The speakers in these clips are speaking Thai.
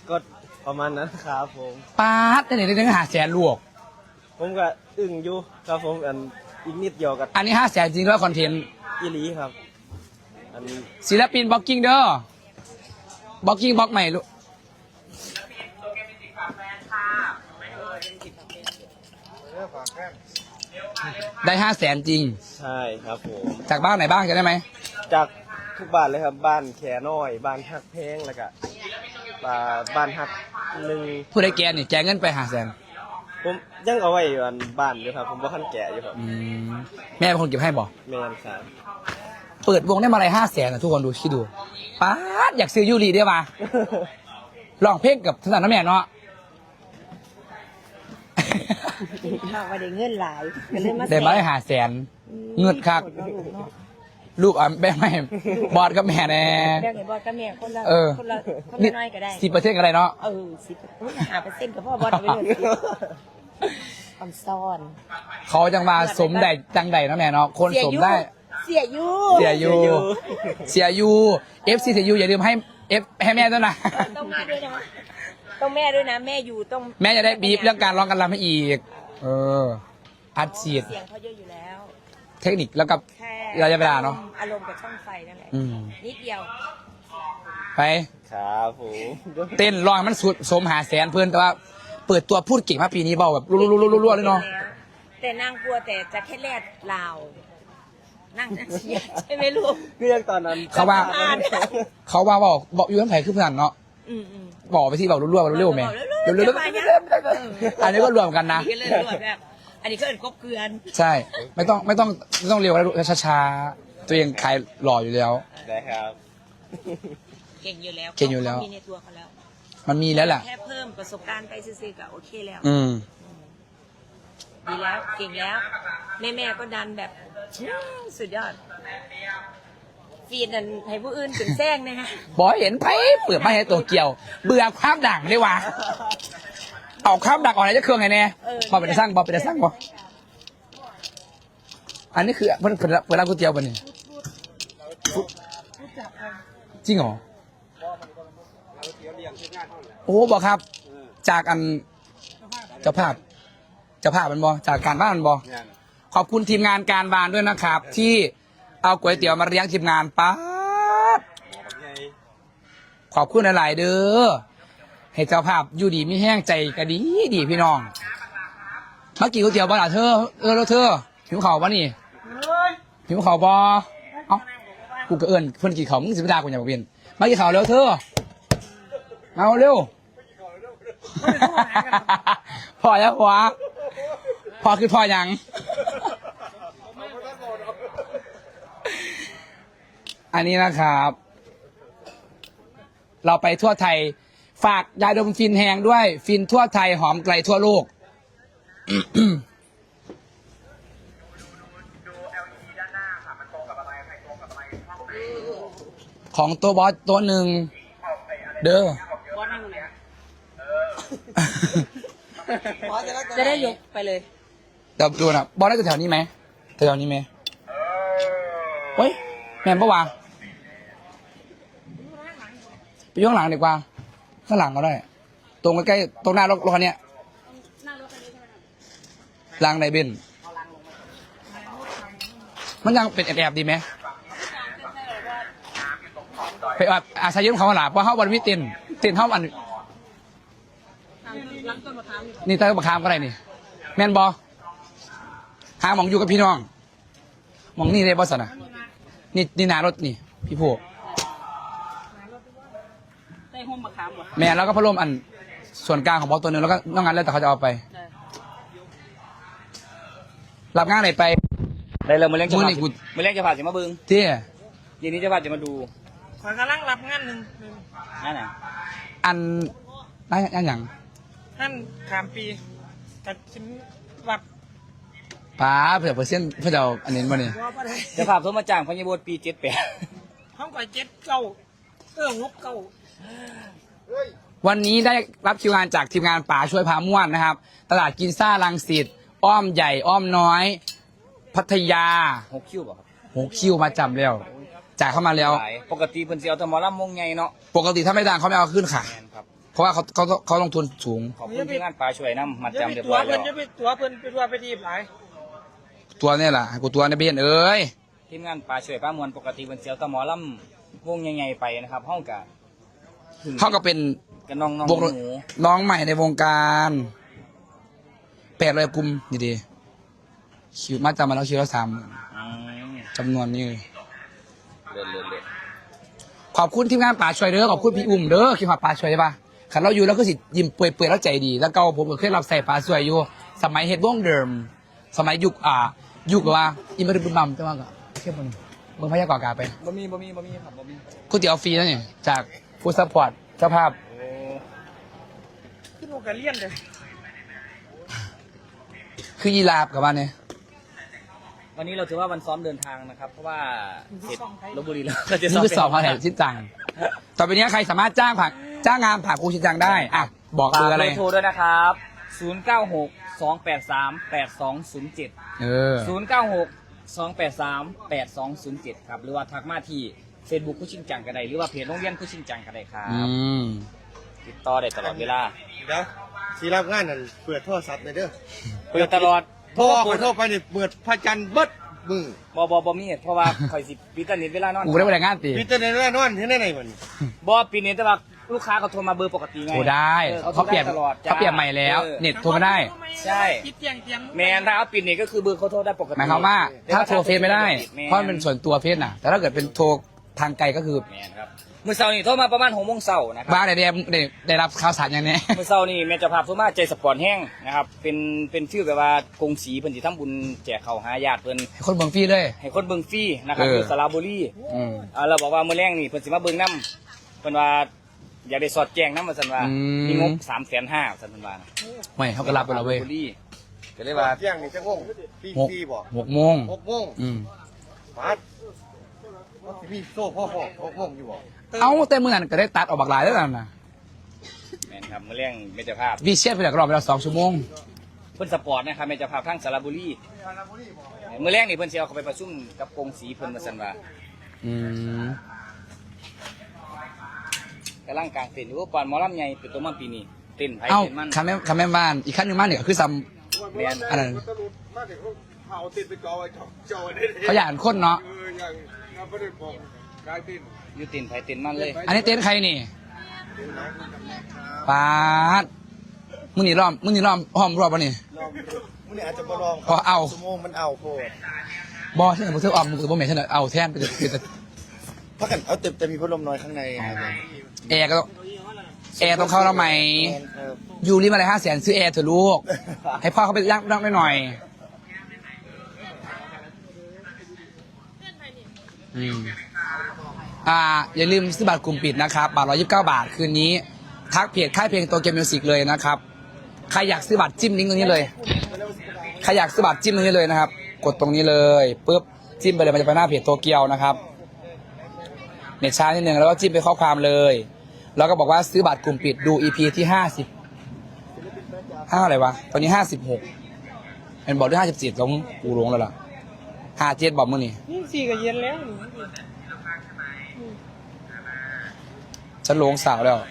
ก็ประมาณนั้นครับผมป้าดได้ถึง500,000ลูกผมก็อึ้งอยู่ครับผมอีกนิดเดียวกับอันนี้500,000จริงแล้วคอนเทนต์อีหลีครับอันศิลปินบล็อกกิ้งเด้อบล็อกกิ้งบล็อกใหม่ลูกได้500,000จริงใช่ครับผมจากบ้านไหนบ้างจะได้ไหมจากทุกบ้านเลยครับบ้านแขน้อยบ้านฮักแพงแล้วก็บ้านฮักหนึ่งผู้ใดแกนี่แกเงินไป500,000 ผมยังเอาไว้อยู่อันบ้านอยู่ครับผมบ่คันแก่อยู่ครับแม่เป็นคนเก็บให้บอกแม่นครับเปิดวงได้มาอะไร500,000นะทุกคนดูคิดดูป้าดอยากซื้อยูรีได้มาลองเพลงกับถนัดน้ำแม่เนาะข่าวว่าได้เงินหลายก็เลยมาได้มาได้500,000เงินคักลูกอ่ะแม่ไม่บอดกับแม่แน่แบ่งให้บอสกับแม่คนละเออคนละน้อยก็ได้ 10%ก็ได้เนาะ 10%กับพ่อบอสเอาไปเลยออมซ่อนเขาจังมาสมได้จังใดนะแม่เนาะคนสมได้เสียยูเสียยูเสียยู FC เสียยูอย่าลืมให้ให้แม่ด้วยนะต้องมาด้วยนะต้องแม่ด้วยนะแม่อยู่ต้องแม่จะได้บีบเรื่องการร้องการรำให้อีกอัดฉีดเสียงเขาเยอะอยู่แล้วเทคนิคแล้วกับแค่ระยะเวลาเนาะอารมณ์กับช่องไฟนั่นแหละอืมนิดเดียวไปครับผมเต้นร้องให้มันสุดสม500,000เพื่อนแต่ว่าเปิดตัวพูดเก่งมากปีนี้เบาแบบรัวๆๆๆเลยเนาะแต่นางกลัวแต่จะแค่แลดลาวนั่งจะเชียร์ใช่ไหมลูกเรื่องตอนนั้นเขาว่าบอกอยู่ทั้งไผ่คือเพื่อนเนาะอืมบอกไปที่บอกรัวๆเร็วๆแม่เร็วๆอันนี้ก็รวมกันนะอันนี้ก็เลยรวมแบบอันนี้ก็เอินครบเกลือนใช่ไม่ต้องเร็วแล้วช้าๆตัวเองขายหล่ออยู่แล้วได้ครับเก่งอยู่แล้วเก่งอยู่แล้วขามีในตัวเขาแล้วมันมีแล้วแหละแค่เพิ่มประสบการณ์ไปซื้อๆก็โอเคแล้ว ดีแล้วเก่งแล้ว แม่ก็ดันแบบสุดยอดฟีดนันให้ผู้อื่นถึงแซงนะฮะบอยเห็นไผ่เปิดมาให้ตัวเกี่ยว เบื่อความดังได้วะเอาความดังออกไหนจะเครื่องไงเนี่ยบอเป็นสร้างบอเป็นสร้างบออันนี้คือเปิดร้านก๋วยเตี๋ยวป่ะเนี่ยจริงเหรอโอ้บอกครับ จากอันเจ้าภาพมันบอจากการบ้านมันบอขอบคุณทีมงานการบานด้วยนะครับ ที่เอาก๋วยเตี๋ยวมาเลี้ยงทีมงานป๊าดขอบคุณหลายๆเด้อให้เจ้าภาพอยู่ดีไม่แห้งใจก็ดีพี่น้องเมื่อกี้ก๋วยเตี๋ยวบ้านเธอแล้วเธอหิวข่าวป่ะนี่หิวข่าวบอเอ้ากูก็เอิญเพื่อนกี่เขามึงสิบดากูอย่าบอกเปลี่ยนเมื่อกี้ข่าวแล้วเธอเอาเร็วพอแล้วหัวพอคือพอยังอันนี้นะครับ เราไปทั่วไทยฝากยาดมฟินแหงด้วยฟินทั่วไทยหอมไกลทั่วโลก ของตัวบอสตัวหนึ่งเด้อจะได้ยกไปเลยเดี๋ยวดูนะบอสได้แถวนี้ไหมแถวนี้ไหมเฮ้ยแม่นปะวะไปย่ข้างหลังดีกว่าข้างหลังก็ได้ตรงใกล้ๆตรงหน้ารถคันนี้หลังในเบนมันยังเป็นแอบๆดีไหมไปอาศัยยืมเขาหลาเพราะเขาวันวิเต้นเขาวันนี่ใต้ต้นมะขามก็ได้นี่แม่นบอหาหมองอยู่กับพี่น้องหมองนี่เลยบอสนะนี่นารถนี่พี่ผู้ได้ห้องมะขามเหรอแม่แล้วก็พัดลมอันส่วนกลางของบล็อกตัวหนึงแล้วก็นอกนั้นแล้วแต่เขาจะเอาไปรับงานไหนไปได้เลยมาเลี้ยงจะมือผ่านี่กูมาเลี้ยงจะผ่าจะมาเบิ้งที่ยีนี้จะผ่าจะมาดูขอกำลังรับงานหนึ่งนั่นน่ะอันได้อันอย่างท่านขามปีแต่ชิ้นวัดป้าเผื่อเปอร์เซ็นต์เพื่อจะเอาอันนี้มาเนี่ยว่าอะไรจะผ่าโทรมาจ้างพญาบดปี78 ห้องก่อย7 9งบเก้าวันนี้ได้รับคิวงานจากทีมงานป๋าช่วยพาม่วนนะครับ ตลาดกินซ่ารังสิตอ้อมใหญ่อ้อมน้อย พัทยา 6 คิวบ่ครับโหคิวมาจำแล้วจ่ายเข้ามาแล้วหลายปกติเพิ่นสิเอาแต่หมอลำวงใหญ่เนาะปกติถ้าไม่ดังเขาไม่เอาขึ้นค่ะแม่นครับเพราะว่าเขาลงทุนสูงขอบคุณที่งานปลาช่วยน้ำมัดจำเรียบตัวร้อยเพิ่แล้นวจะไปตัวเพิ่นไปตัวไปทีบหลายตัวเนี่ยล่ะให้กูตัวในเบียนเอ้ยทีมงานปลาช่วยป้ามวลปกติเป็นเสียวตะหมอลำวงใหญ่ๆไปนะครับห้องกะเขาก็เป็นกับน้องวงหนูน้องใหม่ในวงการ800กลุ่มดีๆคิวมาจำมาแล้วคิวละ30,000 อืมจำนวนนี้เลยเลื่อนขอบคุณทีมงานป่าช่วยเด้อขอบคุณพี่อุ้มเด้อคิดว่าป่าช่วยใช่ปะขันเราอยู่แล้วก็สิยิ้มเปื่อยๆแล้วใจดี แล้วก็ผมก็เคยรับใส่ป่าช่วยอยู่สมัยเฮ็ดวงเดิม สมัยยุคว่าอิมริบุญมัมใช่ไหมก็เทียบมันเมืองพยากรณ์กาไปบ่มีครับบ่มีก๋วยเตี๋ยวฟรีนะเนี่ยจากฟู้ดซัพพอร์ตเจ้าภาพโอ้ขึ้นโอกาเลียนเลยคือยีราฟกับมันเนี่ยวันนี้เราถือว่าวันซ้อมเดินทางนะครับ เพราะว่าเสร็จลพบุรีแล้วก็จะนี่คือสอบมาแห่งชิดจังต่อไปนี้ใครสามารถจ้างงานผ่านครูชิดจังได้อ่ะบอกฝากเบอร์อะไรเบอร์โทรด้วยนะครับ 096-283-8207 096-283-8207 ครับ หรือว่าทักมาที่ Facebook คุชิงจังก็ได้หรือว่าเพจโรงเรียนคุชิงจังก็ได้ครัอืบมติดต่อได้ตลอดเวลาเดี๋ยวสีรับงานนั่นเปิดโทรศัพท์เลยเด้อเปิดตลอดโทรขอโทรไปนี่เปิดพระจันทร์เบิดมือบ่มีเพราะว่าข่อยสิปิดตนิดเวลานอนกูได้ไปแต่งงานตีมีแต่ในแน่นอนที่ไหนมันบ่ปิดเน็ตแต่ว่าลูกค้าเขาโทรมาเบอร์ปกติไงโทรได้ เขาเปลี่ยนตลอดจ้เขาเปลี่ยนใหม่แล้ว เน็ตโทรไม่ได้ใช่คิดเตียงเตียงแมนถ้าเอาปิดเน็ตก็คือเบอร์เขาโทรได้ปกติหมายความว่าถ้าโทรเฟซไม่ได้แมนเพราะมันเป็นส่วนตัวเฟซน่ะ แต่ถ้าเกิดเป็นโทรทางไกลก็คือแมนครับมื้อเช้านี่โทรมาประมาณ6 โมงเช้านะครับบ้านได้รับข่าวสารอย่างนี้มื้อเช้านี่แม่เจ้าภาพโทรมาใจสปอร์ตแห้งนะครับเป็นชื่อแบบว่ากงสีเพิ่นสิทำบุญแจกข้าวหาญาติเพิ่นให้คนเบิ่งฟรีเลยให้คนเบิ่งฟรีนะครับเอออยู่สระบุรีอืมเราบอกว่ามื้อแรงนี่เพิ่นสิมาเบิ่งนํเพิ่นว่าอยากได้สอดแจ้งนำว่าซั่นว่ามีงบ 350,000ซั่นเพิ่นว่านะไม่เขาก็รับไปแล้วเว้ยสระบุรีก็เลยว่าเที่ยงนี่จะงงพี่หกพี่บอกโมง 6 โมงอืมมาดพี่โซ่พ่อ6 โมงอยู่บอกเอาแต่เมื่อนั้นก็ได้ตัดออกบักหลายแล้วนะแม่นครับมื้อแรงแม่เจ้าภาพวิเชียรไปแล้วก็รอไปแล้ว2 ชั่วโมงเพิ่นสปอร์ตนะครับแม่เจ้าภาพทางสระบุรีมื้อแรงนี่เพิ่นสิเอาเข้าไปประชุมกับกงสีเพิ่นว่าซั่นว่าอืมกำลังกลางเต้นอยู่ปานหมอลำใหญ่เป็นตัวมันปีนี้เต้นไผเอ้าเต้นมันคำแม่บ้านอีกขั้นหนึ่งบ้านเนี่ยคือซ้แม่นำอันนั้นมาเด็กเขาติดไปกอไว้จอได้เขาอยากคนเนาะอย่างน้ำประเด็นบอกกายติดอยู่เต้นไผเต้นมันเลยอันนี้เต็นท์ใครนี่ปาดมึงนี่ล้อมห้อมรอบปะนี่ลองมึงเนี่ยอาจจะมาลองพอเอาชั่วโมงมันเอาโคตรบอใช่ไหมมึงซื้อออมมึงคือบ่แม่นใช่ไหมเอาแทนไปเลยพักกันเอาแต่มีพัดลมน้อยข้างในครับแอร์ก็ต้องแอร์ต้องเข้าแล้วไหมครับอยู่ริมอะไร500,000ซื้อแอร์เถอะลูก ให้พ่อเขาไปนั่งหน่อยอืมอย่าลืมซื้อบัตรกลุ่มปิดนะครับบัตร129 บาทคืนนี้ ทักเพจค่ายเพลงโตเกียวมิวสิกเลยนะครับใครอยากซื้อบัตรจิ้มลิงก์ตรงนี้เลยใครอยากซื้อบัตรจิ้มตรงนี้เลยนะครับ กดตรงนี้เลยปุ๊บจิ้มไปเลยมันจะไปหน้าเพจโตเกียวนะครับเน็ตช้านิดนึงแล้วก็จิ้มไปข้อความเลย แล้วก็บอกว่าซื้อบัตรกลุ่มปิดดู EP ที่5อะไรวะตอนนี้56เป็นบอกด้วย57ต้องกูลงแล้วล่ะ57บอกมึงนี่นี่สี่ก็เย็นแล้วฉันลงสาวแล้ว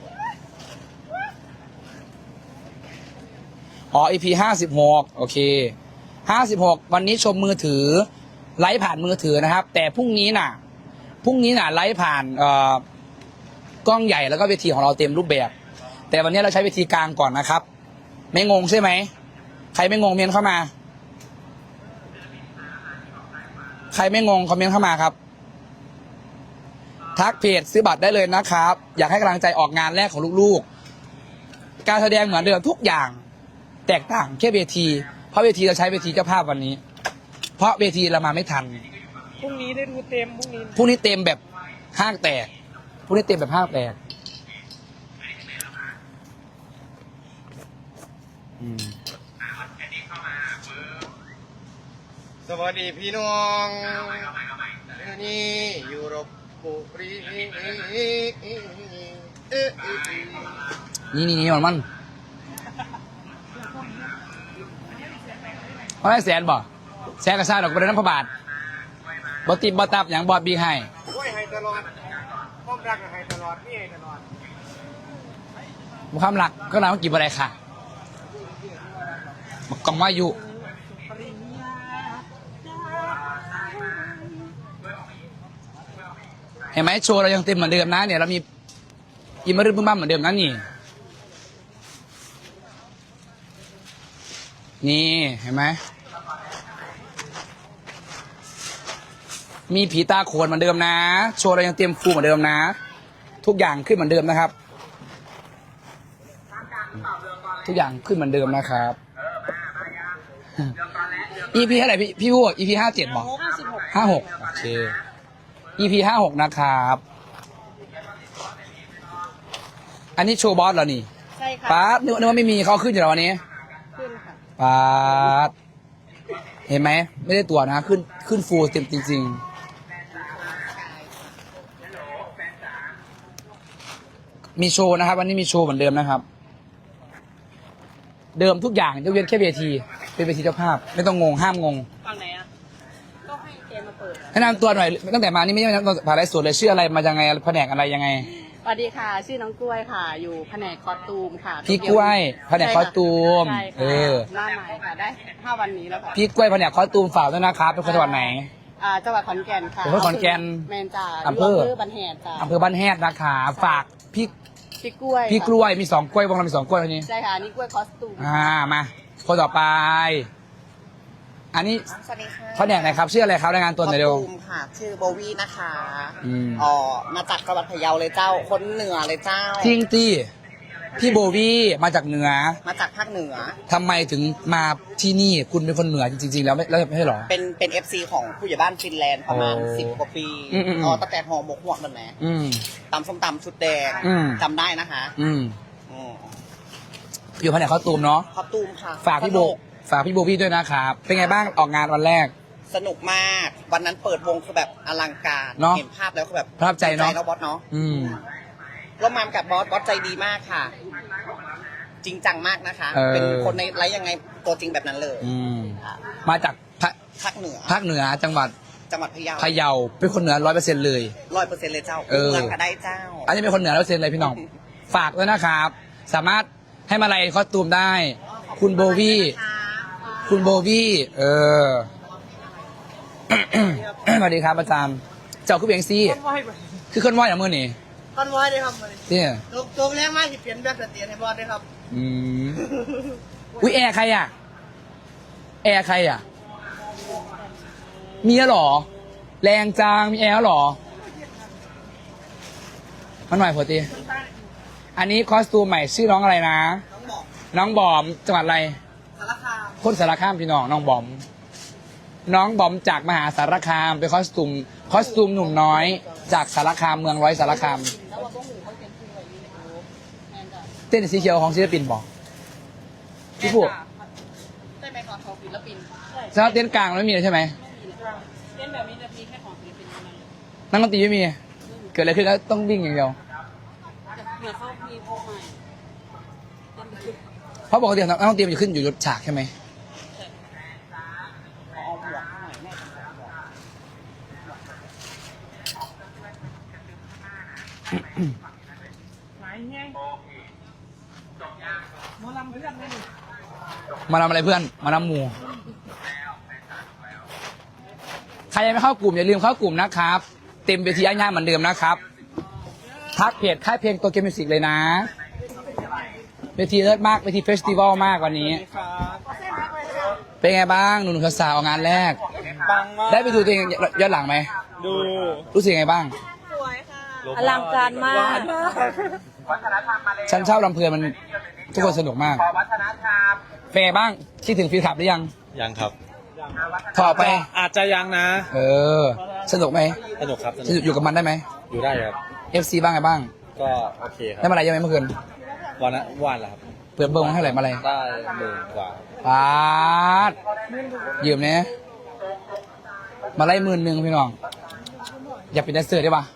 อ๋อ EP 56โอเค56วันนี้ชมมือถือไลฟ์ผ่านมือถือนะครับ แต่พรุ่งนี้น่ะไลฟ์ผ่านกล้องใหญ่แล้วก็เวทีของเราเต็มรูปแบบ แต่วันนี้เราใช้เวทีกลางก่อนนะครับ ไม่งงใช่ไหมใครไม่งงเมียนเข้ามาใครไม่งงคอมเมนต์เข้ามาครับทักเพจซื้อบัตรได้เลยนะครับ อยากให้กำลังใจออกงานแรกของลูกๆการแสดงเหมือนเดิมทุกอย่างแตกต่างแค่เวทีเพราะเวทีเราใช้เวทีเจ้าภาพวันนี้ เพราะเวทีเรามาไม่ทันพรุ่งนี้ได้ดูเต็มพรุ่งนี้พรุ่งนี้เต็มแบบห้างแตกพรุ่งนี้เต็มแบบห้างแตกสวัสดีพี่น้องนี่อยู่รบบุรีนี่มันเพราะได้แสนบ่แสนกระซ่าดอกกระเด็นน้ำพระบาทบอติบบอตับอย่างบอดบีให้โอ้ยให้ตลอดพ้อมรักให้ตลอดนี่ให้ตลอดความหลักก็นำมากี่อะไรค่ะกองว่าอยู่เห็นไหมโชว์เรายังเต็มเหมือนเดิมนะเนี่ยเรามีอิมมารึบึ้มบ้ามเหมือนเดิมนะนี่เห็นไหมมีผีตาโขนเหมือนเดิมนะโชว์เรายังเตรียมฟูเหมือนเดิมนะทุกอย่างขึ้นเหมือนเดิมนะครับทุกอย่างขึ้นเหมือนเดิมนะครับ EP เท่าไหร่พี่พูด EP 57บอก56โอเค EP 56นะครับอันนี้โชว์บอสเหรอนี่ใช่ค่ะป๊าดนึกว่าไม่มีเขาขึ้นอยู่แล้ววันนี้ขึ้นค่ะป๊าดเห็นไหมไม่ได้ตัวนะขึ้นฟูลเต็มจริงๆมีโชว์นะครับวันนี้มีโชว์เหมือนเดิมนะครับเดิมทุกอย่างยกเว้นแค่เวทีเป็นเวทีเจ้าภาพไม่ต้องงงห้ามงงฝั่งไหนอ่ะก็ให้เกมมาเปิดแนะนำตัวหน่อยตั้งแต่มานี่ไม่ใช่ผ่านไลฟ์สดเลยชื่ออะไรมายังไงแผนกอะไรยังไงสวัสดีค่ะ ชื่อน้องกล้วยค่ะ อยู่แผนกคอสตูมค่ะพี่กล้วยแผนกคอสตูมใช่เอค่ะอหน้าใหม่ค่ะ ได้5วันนี้แล้วค่ะพี่กล้วยแผนกคอสตูมฝากด้วยนะครับเป็นคนจังหวัดไหนจังหวัดขอนแก่นค่ะเป็นคนขอนแก่นแมนจ่าอำเภอบันแหดจ้าอำเภอบ้านแฮดนะคะฝากพี่พี่กล้วยพี่กล้วยมี2กล้วยวงเรามี2กล้วยเท่านี้ใช่ค่ะ นี่กล้วยคอสตูมมาคนต่อไป อันนี้สวัสดีค่ะแผนกไหนครับชื่ออะไรครับรายงานตัวหน่อยเร็วคอสตูมค่ะ ชื่อโบวี่นะคะอืมมาจากจังหวัดพะเยาเลยเจ้า คนเหนือเลยเจ้าจริงตี้พี่โบวี่มาจากเหนือมาจากภาคเหนือทำไมถึงมาที่นี่คุณเป็นคนเหนือจริงๆแล้วไม่ใช่หรอเป็น FC ของผู้ใหญ่บ้านฟินแลนด์ประมาณโอ้ 10 กว่าปีอืมตั้งแต่ห่อหมกหวกนั่นแหละอืมตำส้มตำชุดแดงอืมจำได้นะคะอืมอืมอยู่แผนกคอสตูมเนาะคอสตูมค่ะฝากพี่โบสนุฝากพี่โบวี่ด้วยนะครับ เป็นไงบ้างออกงานวันแรกสนุกมาก วันนั้นเปิดวงคือแบบอลังการเนอะเห็นภาพแล้วคือแบบประทับใจเนอะแล้วบอสเนาะอืมร่วมงานกับบอสใจดีมากค่ะ จริงจังมากนะคะ เป็นคนในไลฟ์ยังไงตัวจริงแบบนั้นเลยอืม มาจากภาคเหนือภาคเหนือจังหวัดจังหวัดพะเยาพะเยาเป็นคนเหนือ100%เลย 100%เลยเจ้าเออเมืองก็ได้เจ้าอันนี้เป็นคนเหนือ100%เลยพี่น้อง ฝากด้วยนะครับ สามารถให้มาลัยคอสตูมได้ คุณโบวี่คุณโบวี่สวัสดีครับอาจารย์เจ้าคือเบียงซี่ต้นไม้ไปคือเคลื่อนไหวอย่างมือนี่ต้นไม้เลยครับเนี่ยตัวแรกมากที่เปลี่ยนแบบเตียนให้บอสด้วยครับอืมอุ้ยแอร์ใครอ่ะ แอร์ใครอ่ะ มีแล้วเหรอ แรงจังมีแอร์แล้วเหรอมันหน่อยพอตีอันนี้คอสตูมใหม่ชื่อน้องอะไรนะ น้องบอมจังหวัดอะไรสารคามคนสารคามพี่น้องน้องบอม น้องบอมจากมหาสารคามเป็นคอสตูมหนุ่มน้อย จากสารคามเมืองร้อยสารคาม เต้นสีเขียวของศิลปินบอกพี่พูดใช่ไหมคะของศิลปินสำหรับเต้นกลางไม่มีเลยใช่ไหมเล่นแบบนี้จะมีแค่ของศิลปินเท่านั้นนักดนตรีไม่มี เกิดอะไรขึ้นก็ต้องวิ่งอย่างเดียวเหมือนเขามีพวกใหม่เพราะปกตินักดนตรีมันจะขึ้นอยู่บนฉากใช่ไหมหมายไงหมอลำเพื่อนไม่มีมาทำอะไรเพื่อน มานำหมูใครยังไม่เข้ากลุ่มอย่าลืมเข้ากลุ่มนะครับ เต็มเวทีย่างๆเหมือนเดิมนะครับ ทักเพจค่ายเพลงตัวเกมมิวสิกเลยนะ เวทีเลิศมากเวทีเฟสติวัลมากวันนี้ เป็นไงบ้างหนุ่มๆสาวๆงานแรกปังมากได้ไปดูตัวเองย้อนหลังไหมดูรู้สึกยังไงบ้างอลังการมากฉันชอบลำเพลินมันทุกคนสนุกมากเป็นไงบ้างคิดถึงฟีขับหรือยังยังครับต่อไปอาจจะยังนะเออ สนุกไหมสนุกครับสสนุนุกกอยู่กับมันได้ไหมอยู่ได้ครับ FC บ้างไงบ้างก็โอเคคได้รับมาอะไรยังไงเมื่อคืนวันละครับเปิดเบิ้งมาเท่าไหร่มาอะไรได้10,000 กว่าปาดยืมเนี่ยมาไล่11,000พี่น้อง อย่าเป็นแดนเซอร์ได้ปะ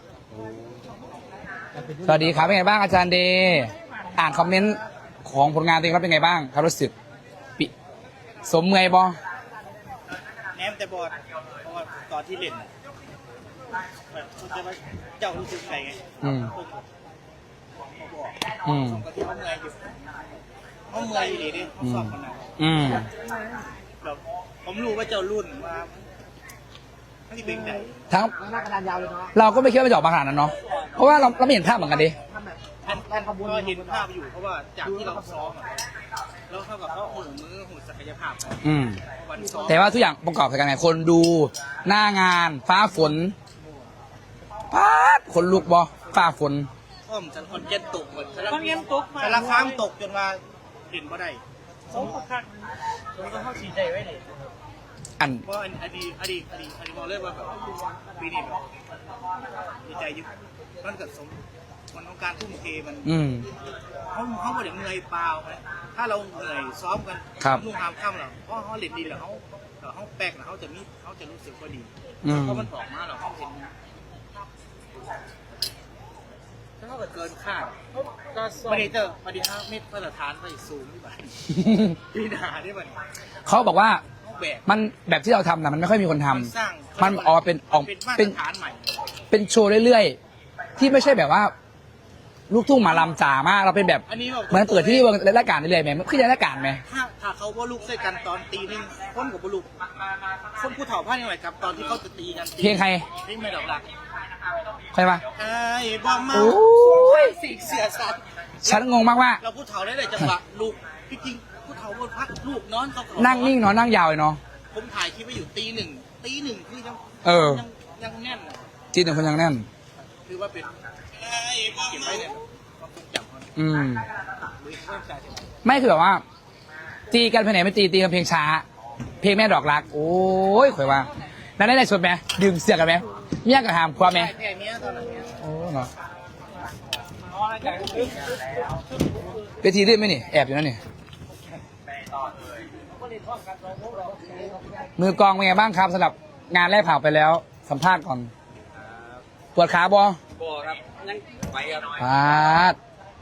สวัสดีครับเป็นไงบ้างอาจารย์เดย์อ่านคอมเมนต์ของผลงานตัวเองแล้วเป็นไงบ้างครับรู้สึกสมเมอยบอแนมแต่บอดเพราะว่าตอนที่เล่นแบบคุณจะมาเจ้ารู้สึกไงไงอืมอืม 2 กว่าที่เขาเมื่อยอยู่เขาเมื่อยอยู่ดีดิเขาสอบคนนั้นอืมแบบผมรู้ว่าเจ้ารุ่นว่าที่เป็นไหนทั้งเราก็ไม่คิดว่ามันจะออกมาขนาดนั้นเนาะเพราะว่าเราไม่เห็นภาพเหมือนกันดิก็เห็นภาพอยู่เพราะว่าจากที่เราซ้อมอะแล้วเท่ากับเขาหูมือหูศักยภาพของอืมวันซ้อมแต่ว่าทุกอย่างประกอบกันไงคนดูหน้างานฟ้าฝนป๊าดคนลุกบอฟ้าฝนอ้อมฉันคนเย็นตกเหมือนคนเย็นตกมาสารค้างตกจนว่าเห็นบ่ได้สมประคักผมก็เข้าสีใจไว้เลยอันเพราะอดีตมองเลยว่าแบบปีนี้แบบดีใจอยุมันเกิดสมมันของการทุ่มเทมันอืมเขาไม่ได้เหนื่อยเปล่านะถ้าเราเหนื่อยซ้อมกันครับนุ่งหามค่ำเราเพราะเขาเล่นดีแล้วเขาแป๊กแล้วเขาจะรู้สึกว่าดีอืมเพราะมันออกมาเราเขาเห็นถ้าเขาเกินคาดก็สอไม่บได้เจอมาดี5 เมตรมาตรฐานไปสูงที่บ้านปีหนาที่มันเขาบอกว่าเขาแบกมันแบบที่เราทำนะมันไม่ค่อยมีคนทำมันสร้างมันออกเป็นออกเป็นมาตเป็รนฐานใหม่เป็นโชว์เรื่อยๆ ที่ไม่ใช่แบบว่า ลูกทุ่งหมาลำจ๋ามากเราเป็นแบบอันนี้แบบเหมือนเปิดที่รายการนี่เลยไหมขึ้นรายการไหมถ้าเขาว่าลูกใส่กันตอนตีหนึ่งคนกับบุลุกคนผู้เฒ่าพลาดยังไงครับตอนที่เขาจะตีกันเพลงใครเพลงไม่ดอกหลักใครปะไอ้บ้าเมาโอ้ยสีเสือสัตว์ฉันงงมากว่าเราผู้เฒ่าได้เลยจังหวะลูกพี่จริงผู้เฒ่าบนพักลูกนอนเขานั่งนิ่งเนาะนั่งยาวเลยเนาะผมถ่ายคลิปไว้อยู่ตีหนึ่งคือยังเออยังแน่นอะจีนหนึ่งคนยังแน่นคือว่าเป็นเก็บไว้เนี่ยความทรงจำเขาอืมมือเริ่มใจใช่ไหมไม่คือแบบว่า ตีกันเพลงไหนไม่ตีกันเพลงช้า เพลงแม่ดอกรัก โอ้ยข่อยว่านั่นได้ชดไหมดึงเสือกกันไหมเมียกับหามความไหมแค่เนี้ยตอนนั้นเนี่ยโอ้เนาะอ๋ออะไรกันเวทีลื่นไหมนี่แอบอยู่นั่นนี่มือกลองเป็นไงบ้างครับสำหรับงานแรกผ่านไปแล้วสัมภาษณ์ก่อนปวดขาบอบ่ครับยังไปครับปาด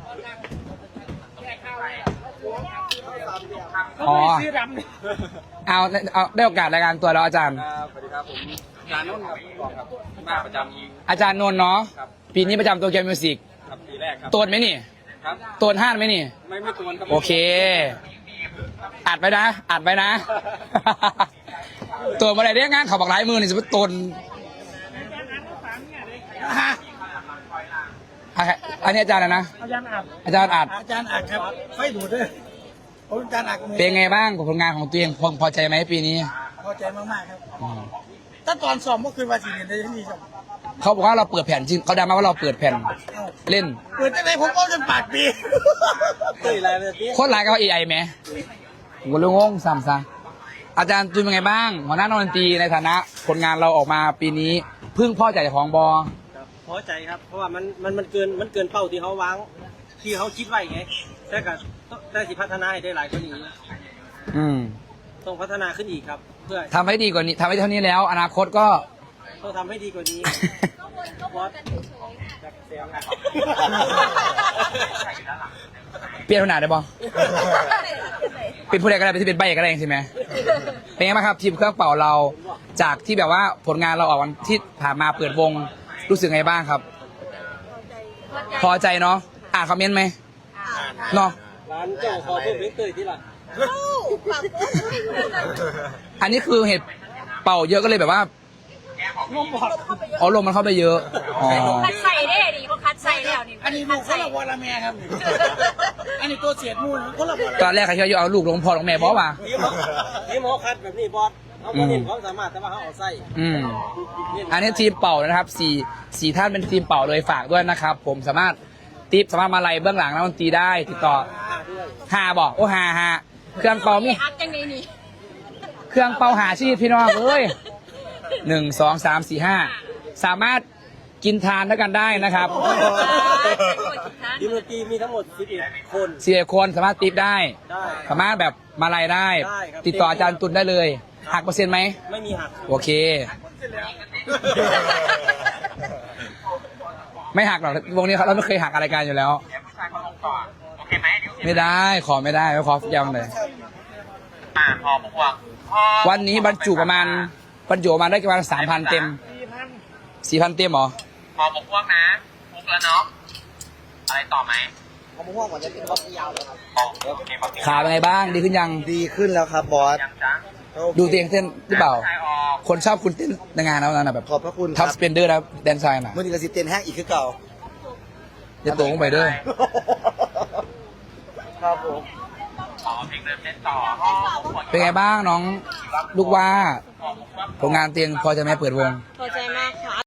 อ๋อซื้อดำนี่เอาได้โอกาสรายการตัวแล้วอาจารย์ครับสวัสดีครับผมอาจารย์นุ่นครับบอกครับมาประจอาจารย์นนท์เนาะำครับปีนี้ประจำตัวเกมมิวสิกครับปีแรกครับตัวไหมนี่ครับตัวห้านไหมนี่ไม่ตวนครับโอเค อัดไว้นะ อัดไว้นะ ตัวอะไรได้งานเขาบอกหลายมือนี่สมมติตนอันนี้อาจารย์อะไรนะอาจารย์อัดอาจารย์อัดอาจารย์อักครับไฟดูดด้วยผมอาจารย์อักมือเป็นไงบ้างกับผลงานของตัวเองพอใจไหมปีนี้พอใจมากๆครับถ้าตอนซ้อมก็คือว่าสีเรียนได้ที่นี่ครับเขาบอกว่าเราเปิดแผ่นจริงเขาดังมาว่าเราเปิดแผ่นเล่นเปิดได้ไหมผมก็จนปากปีตื่นอะไรเลยพี่โคตรหลายกับ AI ไหมผมก็เลยงงซ้ำซะอาจารย์จุนเป็นไงบ้างหัวหน้านักดนตรีในฐานะผลงานเราออกมาปีนี้พึ่งพ่อใจของบอพอใจครับ เพราะว่ามันเกินเป้าที่เขาวางที่เขาคิดไว้ไงแต่ก็ได้สิพัฒนาให้ได้หลายกว่านี้อืมต้องพัฒนาขึ้นอีกครับ เพื่อทำให้ดีกว่านี้ทำให้เท่านี้แล้ว อนาคตก็ต้องทำให้ดีกว่านี้บอสเปลี่ยนขนาดได้บอเป็นผู้ใดก็ได้เป็นที่เป็นใบก็ได้ใช่ไหมเป็นไงบ้างครับทีมเครื่องเป่าเราจากที่แบบว่าผลงานเราออกวันที่ผ่านมาเปิดวงรู้สึกไงบ้างครับ พอใจเนาะอ่านคอมเมนต์ไหมเนาะร้านเจ้าขอเพิ่มเล็กเตยที่หลังอันนี้คือเห็ดเป่าเยอะก็เลยแบบว่าอ๋อลมมันเข้าไปเยอะอ๋อคัดใส่ได้ดิเขาคัดใส่แล้วนี่อันนี้ลูกคนละวอลละแม่ครับ อันนี้ตัวเสียดมูลคนละวอลตอนแรกใครคิดว่าจะเอาลูกลงพ่อลงแม่บอกว่านี่หมอคัดแบบนี้บอสเขาก็เห็นความสามารถแต่ว่าเขาเอาไส้อืมอันนี้ทีมเป่านะครับสี่ท่านเป็นทีมเป่าเลยฝากด้วยนะครับ ผมสามารถมาไล่เบื้องหลังนักดนตรีได้ติดต่อ5บอกโอ้5เครื่องเป่ามีอัดจังเลยนี่เครื่องเป่าหาชีพพี่น้องเอ้ย1 2 3 4 5สามารถกินทานด้วยกันได้นะครับทีมดนตรีมีทั้งหมด11คน 4 คนสามารถติปได้ได้สามารถแบบมาไล่ได้ได้ครับติดต่ออาจารย์ตุลได้เลยหักเปอร์เซ็นต์ไหมไม่มีหักโอเค ไม่หักหรอกวงนี้เราไม่เคยหักอะไรกันอยู่แล้วไม่ได้ขอไม่ได้ไม่ขอยาวเลยวันนี้บรรจุประมาณได้ประมาณ3,000 เต็ม 4,000 เต็มเหรอพอหมกพวกนะพุกแล้วเนาะอะไรต่อไหมเขาไม่ห่วงว่าจะเป็นบอสยาวเลยครับขาเป็นไงบ้างดีขึ้นยังดีขึ้นแล้วครับบอสดูตัวเองเต้นหรือเปล่า คนชอบคุณเต้นในงานแล้วนะแบบขอบพระคุณคทัรับบ สเปนเดอร์แล้วแดนไซน์น่ะเมื่อนี้กระสิเต้นแห้งอีกคือเก่าจะโตลงไปเด้อครับผมเป็นไงบ้างน้องลูกว่าผลงานเตียงพอจะไหมเปิดวงพอใจมาก